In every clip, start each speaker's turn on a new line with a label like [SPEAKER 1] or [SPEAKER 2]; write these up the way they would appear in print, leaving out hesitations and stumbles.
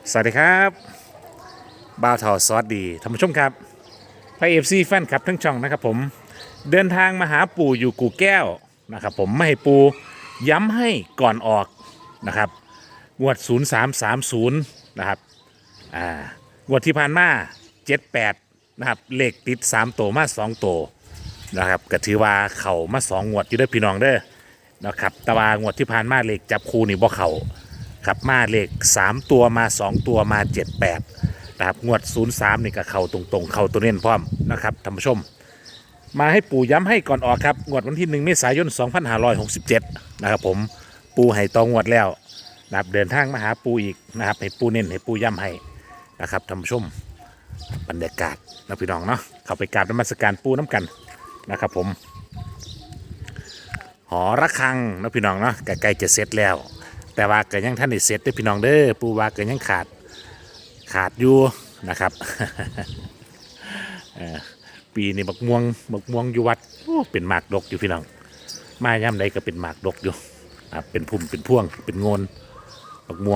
[SPEAKER 1] สวัสดีครับบ่าวทอซอสดีท่านผู้ชมครับพระเอฟซีแฟนคลับทั้งช่องนะครับผมเดินทางมาหาปู่อยู่กู่แก้วนะครับผมไม่ให้ปู่ย้ำให้ก่อนออกนะครับงวด0330นะครับงวดที่ผ่านมา78นะครับเลขติด3ตัวมา2ตัวนะครับก็ถือว่าเข่ามา2งวดอยู่เด้อพี่น้องเด้อนะครับแต่ว่างวดที่ผ่านมาเลขจับคู่นี่บ่เข่า ครับมาเลข3ตัวมา2ตัวมา78นะครับงวด03นี่ก็เข้าตรงๆเข้าตัวเน้นพร้อมนะครับท่านผู้ชมมาให้ปู่ย้ำให้ก่อนออกครับงวดวันที่1เมษายน2567นะครับผมปู่ให้ตองวดแล้วนะครับเดินทางมาหาปู่อีกนะครับให้ปู่เน้นให้ปู่ย้ำให้นะครับท่านผู้ชมบรรยากาศนะพี่น้องเนาะเข้าไปกราบนมัสการปู่น้ำกันนะครับผมหอระฆังนะพี่น้องเนาะใกล้ๆจะเสร็จแล้วแต่ว่าเกิดยังท่านได้เสร็จด้วยพี่น้องเด้อปูว่าเกิดยังขาดอยู่นะครับ ปีนี้บักม่วงอยู่วัดโอ้เป็นหมากดกอยู่พี่น้องมาย่ำใดก็เป็นหมากดกอยู่เป็นพุ่มเป็นพ่วงเป็นโงนบักม่วง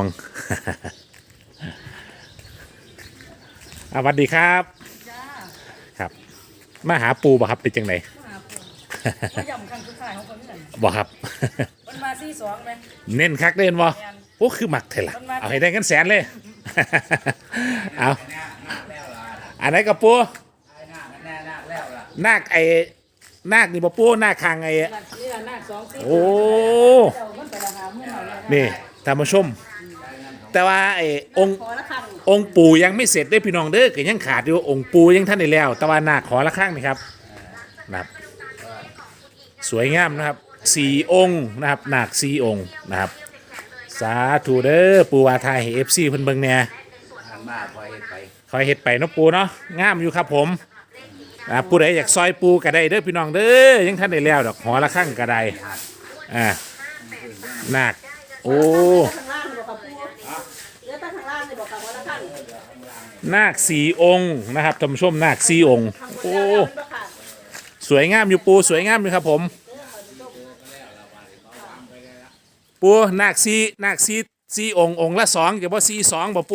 [SPEAKER 1] สวัสดีครับครับมาหาปูบ่ครับเป็นจังไหน
[SPEAKER 2] มาย่ำครั้งสุดท้ายของคนนี้
[SPEAKER 1] บ่ครับ
[SPEAKER 2] มันมาซี่สองไหม
[SPEAKER 1] เน้นคักเด่นบ่โอ้คือหมักเถอะล่ะเอาให้ได้กันแสนเลย เอาอันไหนกับปูนาคนาคนี่บ่ปูนาคคางไอ้
[SPEAKER 2] นี่ละหน้าสองซี่
[SPEAKER 1] โอ้
[SPEAKER 2] เจ้ามันไปราคาเมื่อไหร่เนี่ย
[SPEAKER 1] นี่ท่านผู้ชม แต่ว่าไอ้องค์
[SPEAKER 2] ขอละครั้ง
[SPEAKER 1] องค์ปู่ยังไม่เสร็จได้อพี่น้องเด้อก็ยังขาดอยู่องค์ปู่ยังท่านได้แล้ว แต่ว่านาคขอละข้างนี่ครับนะครับสวยงามนะครับ4 องค์นะครับนาค4 องค์นะครับสาธุเด้อปู่วาทายให้ FC เพิ่นเบิ่งแหน่
[SPEAKER 3] มาคอยไป
[SPEAKER 1] คอยเฮ็ดไปเนาะปู่เนาะงามอยู่ครับผมผู้ใดอยากซอยปูก็ได้เด้อพี่น้องเด้อยังท่านได้แล้วดอกหอละข้างก็ได้นาคโอ้
[SPEAKER 2] ข้างล่างเลยบอกกับปูเหลือแต่ข้างล่างเลยบอกกับขอละครั้ง
[SPEAKER 1] นาค4 องค์นะครับท่านผู้ชมนาค4 องค์โอ้สวยงามอยู่ปูสวยงามอยู่ครับผมปูนาค4 องค์องค์ละ2จะบ่4 2บ่ปู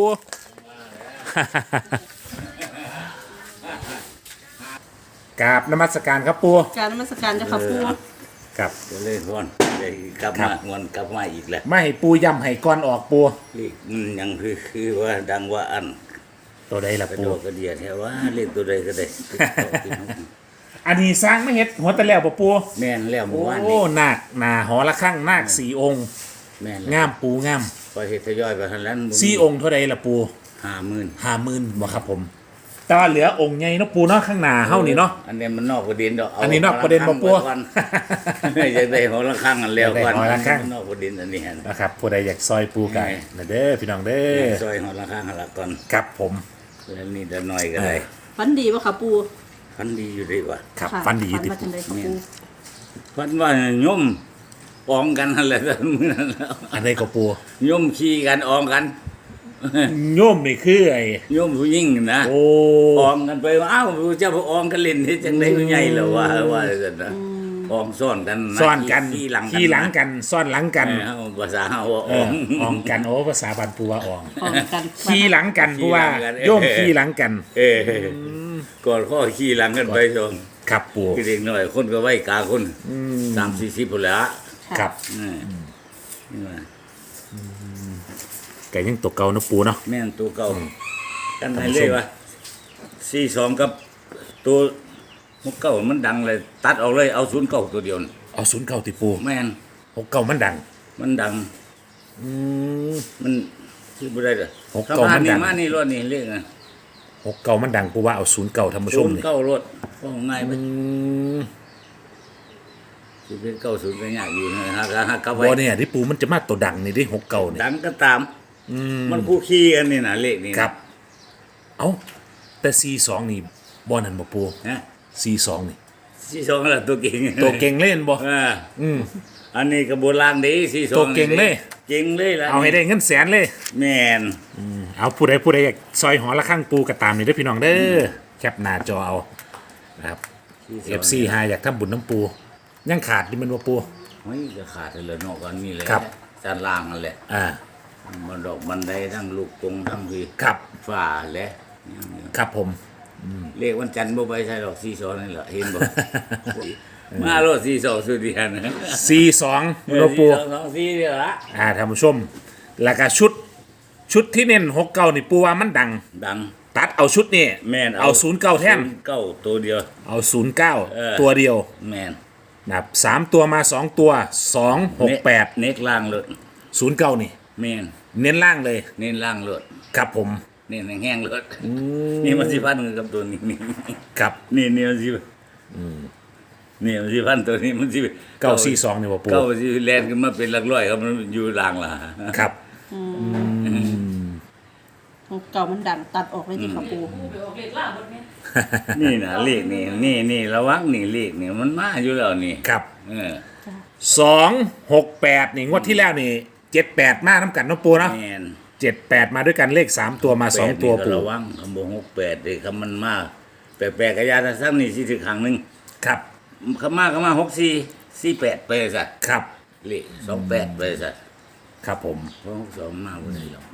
[SPEAKER 1] กราบนมัสการครับปู
[SPEAKER 2] การนมัสการเจ้าค่ะปู
[SPEAKER 1] ครับ
[SPEAKER 3] ก็เลยฮวนได้กลับ
[SPEAKER 1] ครั
[SPEAKER 3] มา
[SPEAKER 1] บ
[SPEAKER 3] ฮวนกลับมาอีกแล้ว
[SPEAKER 1] ไม่ให้ปูย้ำให้ก่อนออกปู
[SPEAKER 3] เลขมันยังคือว่าดังว่าอัน
[SPEAKER 1] ตัวใดล่ะ
[SPEAKER 3] กระ
[SPEAKER 1] ปู
[SPEAKER 3] โดดกระเดียดแถวว่าเลขตัวใดก็ได้
[SPEAKER 1] อันนี้สร้างไม่เฮ็ดหัวตะแล้วบ่ปู
[SPEAKER 3] แม่นแล้วเมื่อวาน
[SPEAKER 1] โอ้
[SPEAKER 3] นี้
[SPEAKER 1] นาคนาหอละข้างนาค4 องค์
[SPEAKER 3] แม่น
[SPEAKER 1] งามปูงาม
[SPEAKER 3] พอเฮ็ดทยอยไปทันแล้ว
[SPEAKER 1] 4 องค์เท่าใดล่ะปู
[SPEAKER 3] 50,000
[SPEAKER 1] 50,000บ่ครับผมแต่ว่าเหลือองค์ใหญ่เนาะปูเนาะข้างหน้าเฮานี่เนาะ
[SPEAKER 3] อันนี้มันนอกประเด็นดอก
[SPEAKER 1] อันนี้นอกประเด็นบ่ปู่
[SPEAKER 3] อยากได้หอละครั้งอันแล้วก่อน
[SPEAKER 1] อยากได้หอละครั้ง
[SPEAKER 3] มันนอกประเด็นอันนี้ฮะ
[SPEAKER 1] นะครับผู้ใดอยากซอยปูไก่นะเด้อพี่น้องเด้อ
[SPEAKER 3] ซอยหอละครั้งหันละก่อน
[SPEAKER 1] ครับผม
[SPEAKER 3] แล้วนี่จะน้อยก็ได้
[SPEAKER 2] ฝันดีป่ะค่ะปู
[SPEAKER 3] พันดีอยู่ดีว่ะ
[SPEAKER 1] ครับ
[SPEAKER 2] ค่ะ
[SPEAKER 1] ฟันดีอยู่
[SPEAKER 2] ฝั
[SPEAKER 1] ติ
[SPEAKER 2] นว่าจังไดค่ะปู
[SPEAKER 3] พันว่าโยมอองกันอะไรแบบนี้แล้ว
[SPEAKER 1] อันนี้ก็ปู
[SPEAKER 3] โยมขี่กันอองกัน
[SPEAKER 1] โยมนี่คือไอ้
[SPEAKER 3] โยมผู้หญิงนะ
[SPEAKER 1] โอ้
[SPEAKER 3] อองกันไปว่าอ้าวเจ้าพระอองกันเล่นที่จังได้ผู้ใหญ่เหรอว่าจะนะอองซ่อนกันนะ
[SPEAKER 1] ซ่อนกัน
[SPEAKER 3] ขี่หลัง
[SPEAKER 1] ขี่หลังกันซ่อนหลังกัน
[SPEAKER 3] เออภาษาเฮาว่า
[SPEAKER 1] เอ
[SPEAKER 3] ออ
[SPEAKER 1] อง อองกันโอ้ภาษาบันปูว่าออง
[SPEAKER 2] พร้อมกัน
[SPEAKER 1] ขี่หลังกันปูว่า
[SPEAKER 3] ขี่หลังกัน
[SPEAKER 1] โยมขี่หลังกัน
[SPEAKER 3] เออก่อนข้อขี่หลังกันไปชม
[SPEAKER 1] ครับปู
[SPEAKER 3] คือเด็กหน่อยคนก็ไว้กาคน30-40พุ่นแหละ
[SPEAKER 1] ครับ
[SPEAKER 3] นี่ว่า
[SPEAKER 1] ไก่ยังตกเก่าเนาะปูเนาะ
[SPEAKER 3] แม่นตัวเก่ากันไหนเลยวะ42กับตัว69มันดังเลยตัดออกเลยเอา09ตัวเดียวน่ะ
[SPEAKER 1] เอา09ติปู
[SPEAKER 3] แม่น
[SPEAKER 1] 69มันดัง
[SPEAKER 3] มันดัง มันคือบ่ได้เด้อ
[SPEAKER 1] 69มันดัง
[SPEAKER 3] มานี่รถนี่เลขอ่ะ
[SPEAKER 1] 69มันดังปูว่าเอา09ท่านผู้ชมนี่
[SPEAKER 3] 09รถว่าง่ายไปสิเป็น90ก็ยากอยู่นะฮะกลับไว้
[SPEAKER 1] บ่เนี่ยที่ปูมันจะมาตัวดังนี่ดิ69นี่
[SPEAKER 3] ดังก็ตามมันคู่ขี้กันนี่นะเลขนี่
[SPEAKER 1] ครับ เอ้าแต่42นี่บ่นั่นบ่ปู
[SPEAKER 3] นะ
[SPEAKER 1] 42นี่
[SPEAKER 3] 42ล่ะตัวเก่ง
[SPEAKER 1] ตัวเก่งเล่นบ่
[SPEAKER 3] อันนี้ก็โบราณดี42
[SPEAKER 1] ตัวเก่งเลย
[SPEAKER 3] เก่งเลยล่ะ
[SPEAKER 1] เอาให้ได้เงินแสนเลย
[SPEAKER 3] แม่น
[SPEAKER 1] เอาผู้ใดอยากซอยหอละข้างปูก็ตามนี่เด้อพี่น้องเด้อแคปหน้าจอเอานะครับ FC หาอยากทำบุญน้ำปู ยังขาดนี่มันบ่ปู
[SPEAKER 3] เฮ้ยจะขาดเลยเนาะกันนี่เลย
[SPEAKER 1] ครับ
[SPEAKER 3] จานล่างนั่นแหละ
[SPEAKER 1] อ่า
[SPEAKER 3] มันดอกบันไดทั้งลูกกงทั้งพี่
[SPEAKER 1] ครับ
[SPEAKER 3] ฝ้าและ
[SPEAKER 1] ครับผม
[SPEAKER 3] เลขวันจันทร์บ่ไปใช่ดอก42นี่แหละเห็นบ่ มาโลด42สุดเดียนะ
[SPEAKER 1] 42หลวงปู่
[SPEAKER 3] 4นี่ละ
[SPEAKER 1] ท่านผู้ชม แล้วก็ชุดที่เน้น69นี่ปูว่ามันดัง
[SPEAKER 3] ดัง
[SPEAKER 1] ตัดเอาชุดนี่
[SPEAKER 3] แม่น
[SPEAKER 1] เอา09แท่น
[SPEAKER 3] 09ตัวเดียว
[SPEAKER 1] เอา
[SPEAKER 3] เออ
[SPEAKER 1] 09ตัวเดียว
[SPEAKER 3] แม่น
[SPEAKER 1] นะครับ3ตัวมา2ตัว268
[SPEAKER 3] เน็กล่างเลย
[SPEAKER 1] 09นี่
[SPEAKER 3] แม่น
[SPEAKER 1] เน้นล่างเลย
[SPEAKER 3] เน้นล่างเลย
[SPEAKER 1] ครับผม
[SPEAKER 3] เน้นแห้งๆเลยนี่มันสิพันกับตัวนี้นี่
[SPEAKER 1] ครับ
[SPEAKER 3] นี่มันสินี่มันสิพันตัวนี้มันสิ
[SPEAKER 1] 942นี่บ่ปู
[SPEAKER 3] เก้าสิแลนขึ้นมาเป็นหลักร้อยครับมันอยู่ล่างล่ะ
[SPEAKER 1] ครับ
[SPEAKER 2] เก่ามันดังตัดออกเลยที่ค่ะปู
[SPEAKER 3] นี่นะเลขนี่ระวังนี่เลขนี่มันมาอยู่แล้วนี่
[SPEAKER 1] ครับ
[SPEAKER 3] เออ
[SPEAKER 1] 268นี่งวดที่แล้วนี่78มาน้ำกันเนาะปูเนาะ
[SPEAKER 3] แม่น
[SPEAKER 1] 78มาด้วยกันเลข3ตัวมา2ตัว
[SPEAKER 3] แปดนี่ก็
[SPEAKER 1] ปู
[SPEAKER 3] ระวังคำบอก68เลยคำมันมาแปลกๆกระยาทซ้ำนี่สิถึงครั้งหนึง
[SPEAKER 1] ครับ
[SPEAKER 3] คำมา6448ไปซะ
[SPEAKER 1] ครับ
[SPEAKER 3] เลข28ไปซะ
[SPEAKER 1] ครับผม
[SPEAKER 3] เพราะ62มาบ่ได้หรอก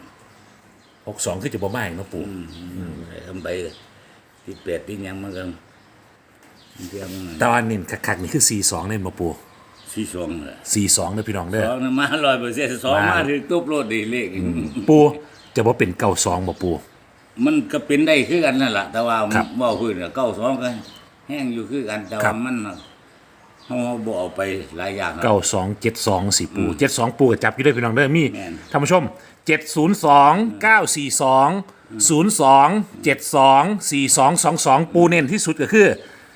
[SPEAKER 1] 62คือจะบ่มาอีกเนาะปู
[SPEAKER 3] ทำไปที่8ที่หยังมันก็เทียม
[SPEAKER 1] แต่ว่านี่คักๆนี่คือ42เน่นบ่ปู
[SPEAKER 3] 42น่ะ
[SPEAKER 1] 42เด้อพี่น้องเด้อ
[SPEAKER 3] สองน่ะมา100%สองมาถึงตุ๊บโลดดีเลข
[SPEAKER 1] ปูจะบ่เป็น92บ่ปู
[SPEAKER 3] มันก็เป็นได้คือกันนั่นแหละแต่ว่า
[SPEAKER 1] ครับ
[SPEAKER 3] เว่าพื้นเก้าสองกันแห้งอยู่คือกันแต่
[SPEAKER 1] ครั
[SPEAKER 3] ว่า
[SPEAKER 1] บ
[SPEAKER 3] มันเขาบ่เอาไปหลายอย่างนะ
[SPEAKER 1] 9272สิปู72ปูก็จับอยู่ด้วยพี่น้องเด้อมี
[SPEAKER 3] แม่น
[SPEAKER 1] ท่านผู้ชม702 942 02 72 4222ปูเน้นที่สุดก็คือ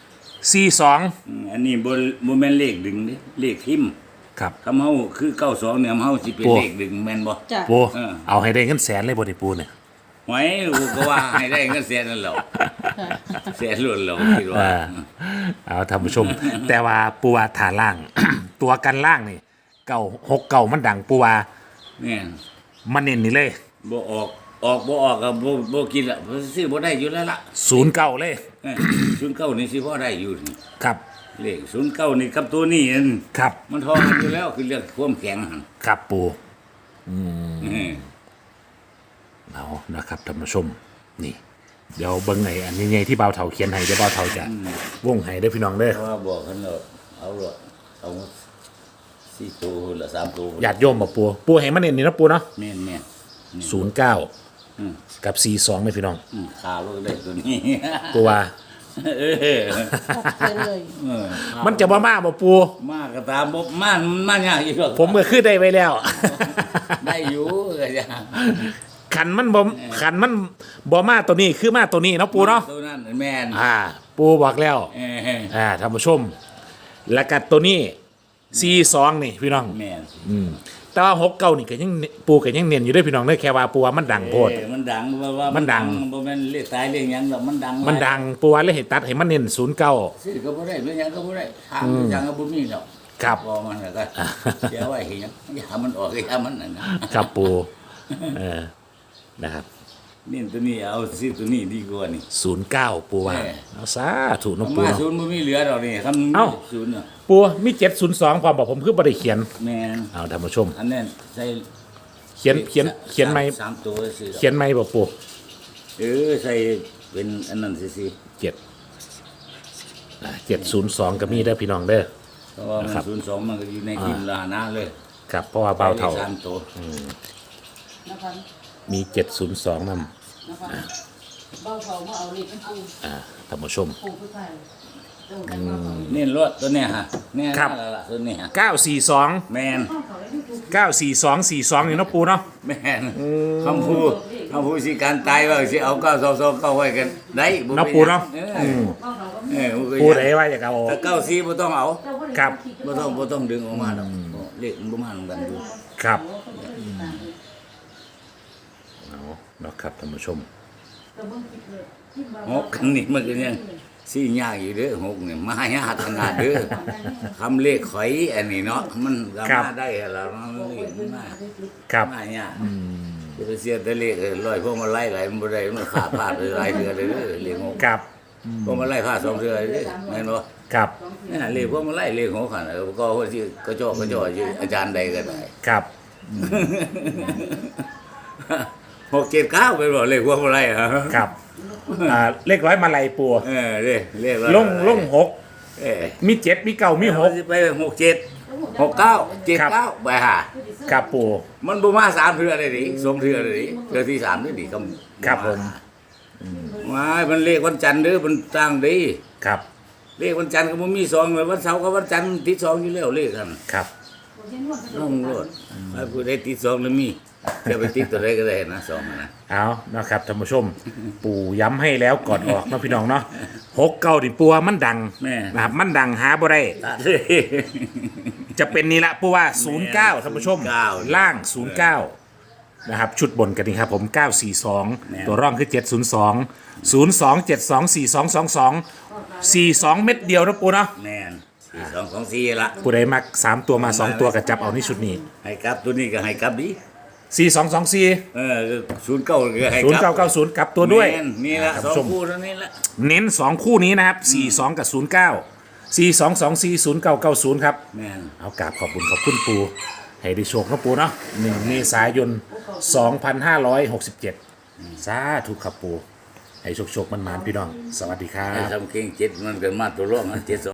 [SPEAKER 1] 42
[SPEAKER 3] อันนี้บ่แม่นเลขดึงเด้เลขทิม
[SPEAKER 1] ครับ
[SPEAKER 3] คำเฮาคือเก้าสองเนี่ยเฮาสิเป็น
[SPEAKER 1] โอ้
[SPEAKER 3] เลขดึงแม่นบ่
[SPEAKER 2] จ้ะ
[SPEAKER 1] ปู
[SPEAKER 3] เออ
[SPEAKER 1] เอาให้ได้เงินแสนเลยบ่ได้ปูเนี่ย
[SPEAKER 3] หวยกูก็ว่าให้ได้เงินแสนนั่นแหล้วแสนล้วนแล้วคิดว่า
[SPEAKER 1] เอาท่านผู้ชม แต่ว่าปูว่าฐานล่าง ตัวกันล่างนี่6 9มันดังปูว่า
[SPEAKER 3] แม่น
[SPEAKER 1] มันเน้นนี่เลย
[SPEAKER 3] บ่ออกบ่ออกก็บ่กินละซื้อบ่ได้อยู่แล้วล่ะ
[SPEAKER 1] 09เลย
[SPEAKER 3] ศูนย์เก้านี่สิพอได้อยู่นี่
[SPEAKER 1] ครับ
[SPEAKER 3] เลข09นี่กับตัวนี้นั่น
[SPEAKER 1] ครับ
[SPEAKER 3] มันทอกันอยู่แล้วคือเรื่องความแข็งหั่น
[SPEAKER 1] ครับปู
[SPEAKER 3] อืม
[SPEAKER 1] เอานะครับท่านผู้ชมนี่เดี๋ยวเบิ่งไงอันนี้ไงที่เบาเถาเขียนให้เดี๋ยวเบาเถาจะวงให้ได้อพี่น้องเด้อ
[SPEAKER 3] เพราะว่าบอกกันแล้วเอาละเอาสี่ตัวละสามตัว
[SPEAKER 1] ญาติโยมบอกปูให้มันเน้นนี่นะปูเนาะ
[SPEAKER 3] แม่นแม่น
[SPEAKER 1] 09
[SPEAKER 3] อืม
[SPEAKER 1] กับ42เลยพี่น้อง
[SPEAKER 3] ขาลูกเล็กตัวนี้
[SPEAKER 1] ปูว่า
[SPEAKER 3] เออ
[SPEAKER 2] ออกไปเลย
[SPEAKER 3] เออ
[SPEAKER 1] มันจะบ่มาบ่ปู
[SPEAKER 3] มากก็ตามบ่มายากอีกหรอก
[SPEAKER 1] ผมก็คือได้ไว้แล้ว
[SPEAKER 3] ได้อยู่ก็จะ
[SPEAKER 1] ขันมันบ่มาตัวนี้คือมาตัวนี้เนาะปูเนาะ
[SPEAKER 3] ตัวนั้นแม่น
[SPEAKER 1] ปูบอกแล้ว
[SPEAKER 3] เออ
[SPEAKER 1] ท่านผู้ชม แล้วก็ตัวนี้42นี่พี่น้อง
[SPEAKER 3] แม่น
[SPEAKER 1] แต่ว่า69นี่ก็ยังปูก็ยังเน้นอยู่เด้วยพี่น้องเด้อแค่ว่าปูว่ามันดังโพด
[SPEAKER 3] เออมันดังว่า
[SPEAKER 1] มันดัง
[SPEAKER 3] บ่แม่นเรียกตายเรียกหยังดอกมันดัง
[SPEAKER 1] มันดังปูว่าเลยให้ตัดให้มันเน้น09
[SPEAKER 3] ซื้อก็บ่ได้เรื่องหยังก็บ่ได้ทางจังก็บ่มีดอก
[SPEAKER 1] ครับ
[SPEAKER 3] พอมันแล้วก็เดี๋ยวไว้เห็นหยังอย่ามันออกอย่ามันนั่นนะครับ
[SPEAKER 1] ปูนะครับ
[SPEAKER 3] นี่ตัวนี้เอาซื้อตัวนี้ดีกว่านี่
[SPEAKER 1] 09ปูว่าเอาสาธุเนาะปู
[SPEAKER 3] มา
[SPEAKER 1] เนาะ
[SPEAKER 3] ศูนย์มันไม่เหลือดอกนี่คำ
[SPEAKER 1] เอ้า
[SPEAKER 3] ศูนย์เนาะ
[SPEAKER 1] ปูมี702ความบอกผมคือบ่ได้เขียน
[SPEAKER 3] แม่น
[SPEAKER 1] เอาท่านผู้ชม
[SPEAKER 3] อันนั้นใส่
[SPEAKER 1] เขียนไหม
[SPEAKER 3] สามตัวซื้อ
[SPEAKER 1] เขียนไหมบอกปู
[SPEAKER 3] ใส่เป็นอันนั้นสิ
[SPEAKER 1] 702ก็มีเด้อพี่น้องเด้อ
[SPEAKER 3] เพราะว่ามัน
[SPEAKER 1] ครับ
[SPEAKER 3] 02มันก็อยู่ในทีมลาหน้าเลย
[SPEAKER 1] ครับเพราะว่าเบาเท่า
[SPEAKER 3] ใส่ลขสามตัว
[SPEAKER 2] นะคะ
[SPEAKER 1] มี702นำ
[SPEAKER 2] นะคะเบาเถามาเอาเล็กเป็นปู
[SPEAKER 1] ท่านผู้ชม
[SPEAKER 2] ปูผู้ไทยเจ้ากันเบาเถา
[SPEAKER 3] นี่รถตัวเนี้ยฮะเนี่ย
[SPEAKER 1] ครับ
[SPEAKER 3] นั่นล่ะตัวนี้ฮะ
[SPEAKER 1] 942
[SPEAKER 3] แม่น
[SPEAKER 1] 94242นี่เนาะปูเนาะ
[SPEAKER 3] แม่นคำพูดสิการตายว่าสิเอา922เข้าไว้กันได้บ่
[SPEAKER 1] เนาะปูเนาะ
[SPEAKER 2] เบาเถาก็
[SPEAKER 3] เออ
[SPEAKER 1] ปูไหนว่าอยากเอา
[SPEAKER 3] ถ้า94บ่ต้องเอา
[SPEAKER 2] เจ้า
[SPEAKER 1] ครับ
[SPEAKER 3] บ่ต้องดึงออกมาดอกเลขมันบ่มาเหมือนกันอยู่
[SPEAKER 1] ครับเอาเนาะครับท่านผู้ชม
[SPEAKER 3] หกนี่มันก็ยังสี่ยากอยู่เด้อหกนี่มายากขนาดเด้อคำเลขข่อยอันนี้เนาะมันก็มาได้แล้วมันเลขมันมา
[SPEAKER 1] ครับ
[SPEAKER 3] มายากจะไปเสียแต่เลขร้อยพวกมาไล่หลายมันบ่ได้มันขาดพลาดหลายเทื่อเลยเด้อเลขหก
[SPEAKER 1] ครับ
[SPEAKER 3] พวกมาไล่พลาดสองเทื่อเลยเด้อแม่นบ่
[SPEAKER 1] ครับ
[SPEAKER 3] นี่นเลขพวกมาไล่เลขหกคั่นก็ว่าสิก็จ่ออยู่อาจารย์ใดก็ได้
[SPEAKER 1] ครับ
[SPEAKER 3] 679ไปบอกเลขพวกอะไรอ่ะ
[SPEAKER 1] ครับเลขร้อยมาลัยปู
[SPEAKER 3] เลข
[SPEAKER 1] ลงหก
[SPEAKER 3] เออ
[SPEAKER 1] มีเจ็ดมีเก้ามีหก
[SPEAKER 3] ไป67 69 79ไปหา
[SPEAKER 1] ครับปู
[SPEAKER 3] มันบ่มา3เทื่อเลยดิ2เทื่อเลยดิเทื่อที่3นี่ดิก็
[SPEAKER 1] ครับผม
[SPEAKER 3] ว้ายมันเลขวันจันทร์เด้อมันตั้งดี
[SPEAKER 1] ครับ
[SPEAKER 3] เลขวันจันทร์ก็บ่มี2เลยวันเสาร์กับวันจันทร์ติด2อยู่แล้วเลขกัน
[SPEAKER 1] ครับ
[SPEAKER 3] น้องโลดไอ้ผู้ใดติด2แล้วมีจะไปติดตัวใดก็ได้นะ2นะ
[SPEAKER 1] เอานะครับท่านผู้ชม ปู่ย้ำให้แล้วก่อนออกเนาะพี่น้องเนาะ6 9ดิปัวมันดัง
[SPEAKER 3] แม่
[SPEAKER 1] นะครับมันดังหาบ่ได้
[SPEAKER 3] ตัดเลย
[SPEAKER 1] จะเป็นนี่ละเพราะว่า 09ท่านผู้ชม
[SPEAKER 3] 09
[SPEAKER 1] ล่าง 09 นะครับ ชุดบนกันนี่ครับผม 942 ตัวร่องคือ 702 02 72 4222 42 เม็ดเดียวนะปูเนาะ
[SPEAKER 3] แม่น4 2 2 4ละ
[SPEAKER 1] ปูได้มัก 3 ตัวมา 2 ตัวกับจับเอานี่ชุดนี้
[SPEAKER 3] ให้กลับตัวนี้ก็ให้กลับดิ
[SPEAKER 1] 4224
[SPEAKER 3] 09ก็ให้กลับ
[SPEAKER 1] 0990กลับตัวด้วย
[SPEAKER 3] แม่นนี่ละ
[SPEAKER 1] ท่าน
[SPEAKER 3] สอ
[SPEAKER 1] ผู้ช
[SPEAKER 3] ง
[SPEAKER 1] ม
[SPEAKER 3] คู่เท่านี้ละ
[SPEAKER 1] เน้น 2 คู่นี้นะครับ 42 กับ 09 4224 0990 ครับ
[SPEAKER 3] แม่น
[SPEAKER 1] เอากราบขอบคุณปูให้ได้โชคนะปูเนาะ1 เมษายน 2567 สาธุครับปูให้โชคมันๆพี่น้อง สวัสดีครั
[SPEAKER 3] ให้
[SPEAKER 1] บ
[SPEAKER 3] ทำเก่ง7มันก็มาตัวรองนะ7